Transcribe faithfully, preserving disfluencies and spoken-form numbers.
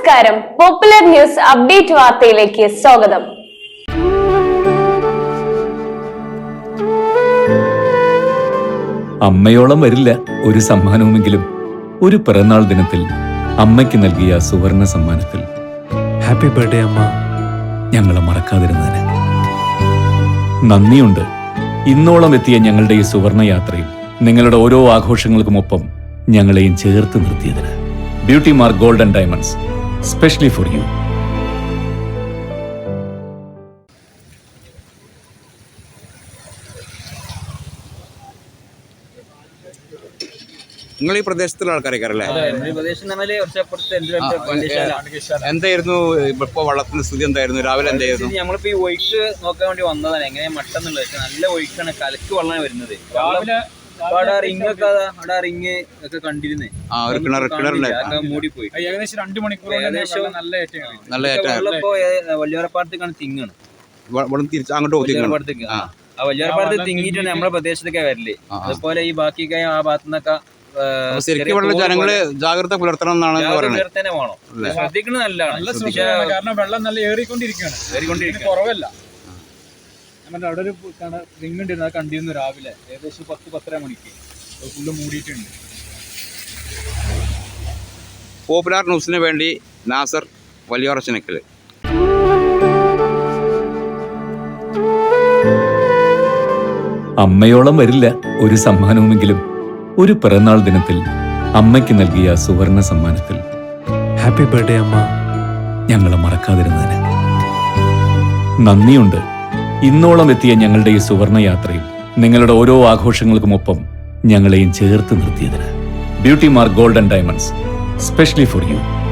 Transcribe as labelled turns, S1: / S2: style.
S1: നമസ്കാരം. Popular news update വാർത്തയിലേക്ക് സ്വാഗതം.
S2: അമ്മയോളം വരില്ല ഒരു സമ്മാനവുമെങ്കിലും ഒരു പിറന്നാൾ ദിനത്തിൽ അമ്മയ്ക്ക് നൽകിയ സുവർണ സമ്മാനത്തിൽ
S3: ഹാപ്പി ബർത്ത്ഡേ അമ്മ.
S2: ഞങ്ങളെ മറക്കാതിരുന്നതിന് നന്ദിയുണ്ട്. ഇന്നോളം എത്തിയ ഞങ്ങളുടെ ഈ സുവർണ യാത്രയിൽ നിങ്ങളുടെ ഓരോ ആഘോഷങ്ങൾക്കുമൊപ്പം ഞങ്ങളെയും ചേർത്ത് നിർത്തിയതിന്. Beauty Mark gold and diamonds, specially for you.
S4: നിങ്ങൾ ഈ പ്രദേശത്തുള്ള ആൾക്കാരല്ലേ? എന്തായിരുന്നു ഇപ്പൊ വള്ളത്തിന്റെ സ്ഥിതി? എന്തായിരുന്നു രാവിലെ? എന്തായിരുന്നു?
S5: നമ്മളിപ്പോ ഈ ഒഴുക്ക് നോക്കാൻ വേണ്ടി വന്നതാണ്, എങ്ങനെയാ മട്ടെന്നുള്ളത്. പക്ഷെ നല്ല ഒഴുക്കാണ്, കലക്ക് വെള്ളമാണ് വരുന്നത്. അവിടെ റിങ് ഒക്കെ അവിടെ റിങ് ഒക്കെ കണ്ടിരുന്നേ, മൂടിപ്പോയി.
S6: ഏകദേശം രണ്ടു മണിക്കൂർ നല്ല
S4: നല്ല
S5: വെള്ളപ്പോ വല്യോരപ്പാടത്തേക്കാണ് തിങ്ങാണ്.
S4: തിരിച്ച് അങ്ങോട്ട്
S5: വല്യോരപ്പാടത്തേക്ക് ആ വല്യോരപ്പാടത്ത് തിങ്ങിയിട്ടാണ് നമ്മളെ പ്രദേശത്തൊക്കെ വരല്. അതുപോലെ ഈ ബാക്കിയൊക്കെ ആ ഭാഗത്തുനിന്നൊക്കെ
S4: ജനങ്ങള് ജാഗ്രത പുലർത്തണം എന്നാണ് പറയുന്നത്.
S5: ശ്രദ്ധിക്കുന്നത് നല്ലതാണ്,
S6: കാരണം വെള്ളം നല്ല ഏറിക്കൊണ്ടിരിക്കുകയാണ്, ഏറിക്കൊണ്ടിരിക്കുന്നത് കുറവല്ല. അവിടെ ഒരു റിങ് ഉണ്ടായിരുന്നു, അത് കണ്ടിരുന്നു രാവിലെ ഏകദേശം പത്ത് പത്തര മണിക്ക്. ഫുള്ള് മൂടിയിട്ടുണ്ട്.
S4: പോപ്പുലർ ന്യൂസിന് വേണ്ടി നാസർ, വലിയോറച്ചനക്കല്.
S2: അമ്മയോളം വരില്ല ഒരു സമ്മാനവുമെങ്കിലും ഒരു പിറന്നാൾ ദിനത്തിൽ അമ്മയ്ക്ക് നൽകിയ സുവർണ സമ്മാനത്തിൽ
S3: ഹാപ്പി ബർത്ത്ഡേ അമ്മ.
S2: ഞങ്ങളെ മറക്കാതിരുന്നതിന് നന്ദിയുണ്ട്. ഇന്നോളം എത്തിയ ഞങ്ങളുടെ ഈ സുവർണ യാത്രയിൽ നിങ്ങളുടെ ഓരോ ആഘോഷങ്ങൾക്കുമൊപ്പം ഞങ്ങളെയും ചേർത്ത് നിർത്തിയതിന്. Beauty Mark gold and diamonds, specially for U.